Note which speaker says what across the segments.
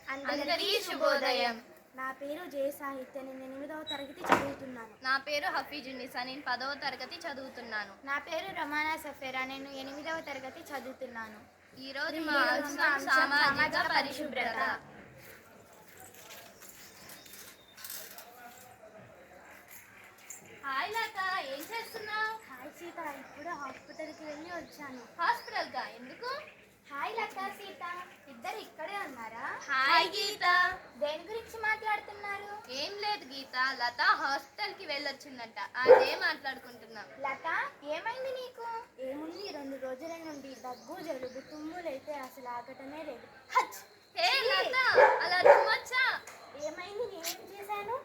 Speaker 1: అందరికీ శుభోదయం.
Speaker 2: నా పేరు జే సాహిత్య. నేను 8వ తరగతి చదువుతున్నాను.
Speaker 1: నా పేరు హఫీజున్నిసా. నేను 10వ తరగతి చదువుతున్నాను.
Speaker 3: నా పేరు రమానా సఫేరా. నేను 8వ తరగతి చదువుతున్నాను.
Speaker 1: ఈరోజు మా అంశం సామాజిక పరిశుభ్రత. హాయ్ లత, ఏం చేస్తున్నావు?
Speaker 2: హాయ్ సీత, ఇప్పుడు హాస్పిటల్కి వెళ్ళి వచ్చాను.
Speaker 1: హాస్పిటల్గా ఎందుకు?
Speaker 3: హాయ్ లత, సీత, ఇద్దరు ఇక్కడే ఉన్నారా?
Speaker 1: హాయ్ గీత.
Speaker 3: దేని గురించి మాట్లాడుతున్నారు?
Speaker 1: ఏం లేదు గీత, లత హాస్పిటల్కి వెళ్ళొచ్చిందంట, అదే మాట్లాడుకుంటున్నాం.
Speaker 3: లత, ఏమైంది నీకు?
Speaker 2: ఏముంది, 2 రోజుల నుండి దగ్గు, జలుబు, తుమ్ములైతే అసలు ఆగటమే లేదు.
Speaker 3: హచ్!
Speaker 1: హే లత, అలా తుమ్మొచ్చా?
Speaker 2: ఏమైంది, నేనేం చేశాను?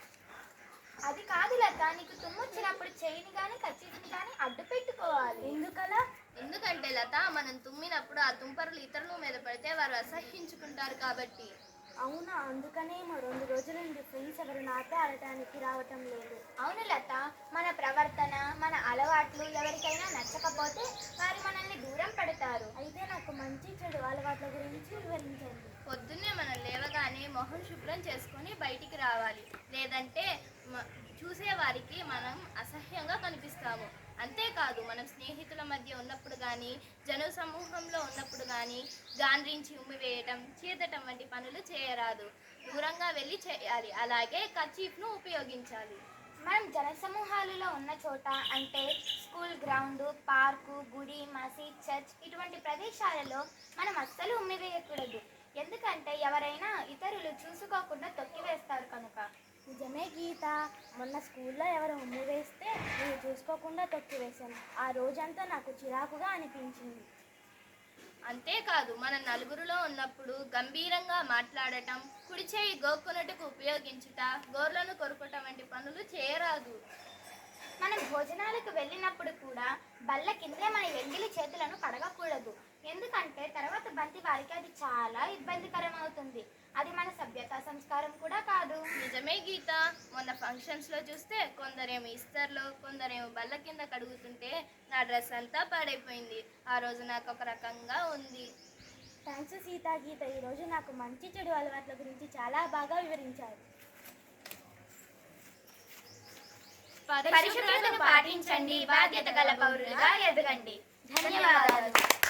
Speaker 3: అది కాదు లత, నీకు తుమ్ము వచ్చినప్పుడు చెయ్యిని కానీ కచ్చిని కానీ అడ్డు పెట్టుకోవాలి.
Speaker 2: ఎందుకలా?
Speaker 1: ఎందుకంటే లత, మనం తుమ్మినప్పుడు ఆ తుంపరులు ఇతరుల మీద పడితే వారు అసహ్యించుకుంటారు కాబట్టి.
Speaker 2: అవునా, అందుకనేమో 2 రోజుల నుండి ఫ్రెండ్స్ ఎవరు నాతో ఆడటానికి రావటం లేదు.
Speaker 3: అవును లత, మన ప్రవర్తన, మన అలవాట్లు ఎవరికైనా నచ్చకపోతే వారు మనల్ని దూరం పెడతారు.
Speaker 2: అయితే నాకు మంచి చెడు అలవాట్ల గురించి వివరించండి.
Speaker 1: పొద్దున్నే మనం లేవగానే మొహం శుభ్రం చేసుకొని బయటికి రావాలి, లేదంటే చూసేవారికి మనం అసహ్యంగా కనిపిస్తాము. అంతేకాదు, మనం స్నేహితుల మధ్య ఉన్నప్పుడు కానీ, జన సమూహంలో ఉన్నప్పుడు కానీ గాండ్రించి ఉమ్మివేయటం, చీదటం వంటి పనులు చేయరాదు. దూరంగా వెళ్ళి చేయాలి. అలాగే కర్చీఫ్ను ఉపయోగించాలి.
Speaker 3: మనం జనసమూహాలలో ఉన్న చోట, అంటే స్కూల్ గ్రౌండ్, పార్కు, గుడి, మసీద్, చర్చ్ ఇటువంటి ప్రదేశాలలో మనం అస్సలు ఉమ్మివేయకూడదు. ఎందుకంటే ఎవరైనా ఇతరులు చూసుకోకుండా తొక్కివేస్తారు కనుక.
Speaker 2: నిజమే గీత, మొన్న స్కూల్లో ఎవరు ఉమ్ము వేస్తే నేను చూసుకోకుండా తొక్కివేశాను. ఆ రోజంతా నాకు చిరాకుగా అనిపించింది.
Speaker 1: అంతేకాదు, మన నలుగురిలో ఉన్నప్పుడు గంభీరంగా మాట్లాడటం, కుడి చేయి గోక్కునట్టుకు ఉపయోగించుట, గోర్లను కొరుకటం వంటి పనులు చేయరాదు.
Speaker 3: మనం భోజనాలకు వెళ్ళినప్పుడు కూడా బల్ల కిందే మన ఎంగిలి చేతులను కడగకూడదు. ఎందుకంటే తర్వాత బంతి వారికి అది చాలా ఇబ్బందికరం అవుతుంది. అది మన సభ్యత సంస్కారం కూడా కాదు.
Speaker 1: నిజమే గీత, మొన్న ఫంక్షన్స్లో చూస్తే కొందరేమో ఇస్తర్లో, కొందరేమో బల్ల కింద కడుగుతుంటే నా డ్రెస్ అంతా పాడైపోయింది. ఆ రోజు నాకు ఒక రకంగా ఉంది.
Speaker 2: థ్యాంక్స్ సీత. గీత, ఈరోజు నాకు మంచి చెడు అలవాట్ల గురించి చాలా బాగా వివరించారు.
Speaker 3: పరిశుభ్రతను పాటించండి, బాధ్యత గల పౌరులుగా ఎదగండి. ధన్యవాదాలు.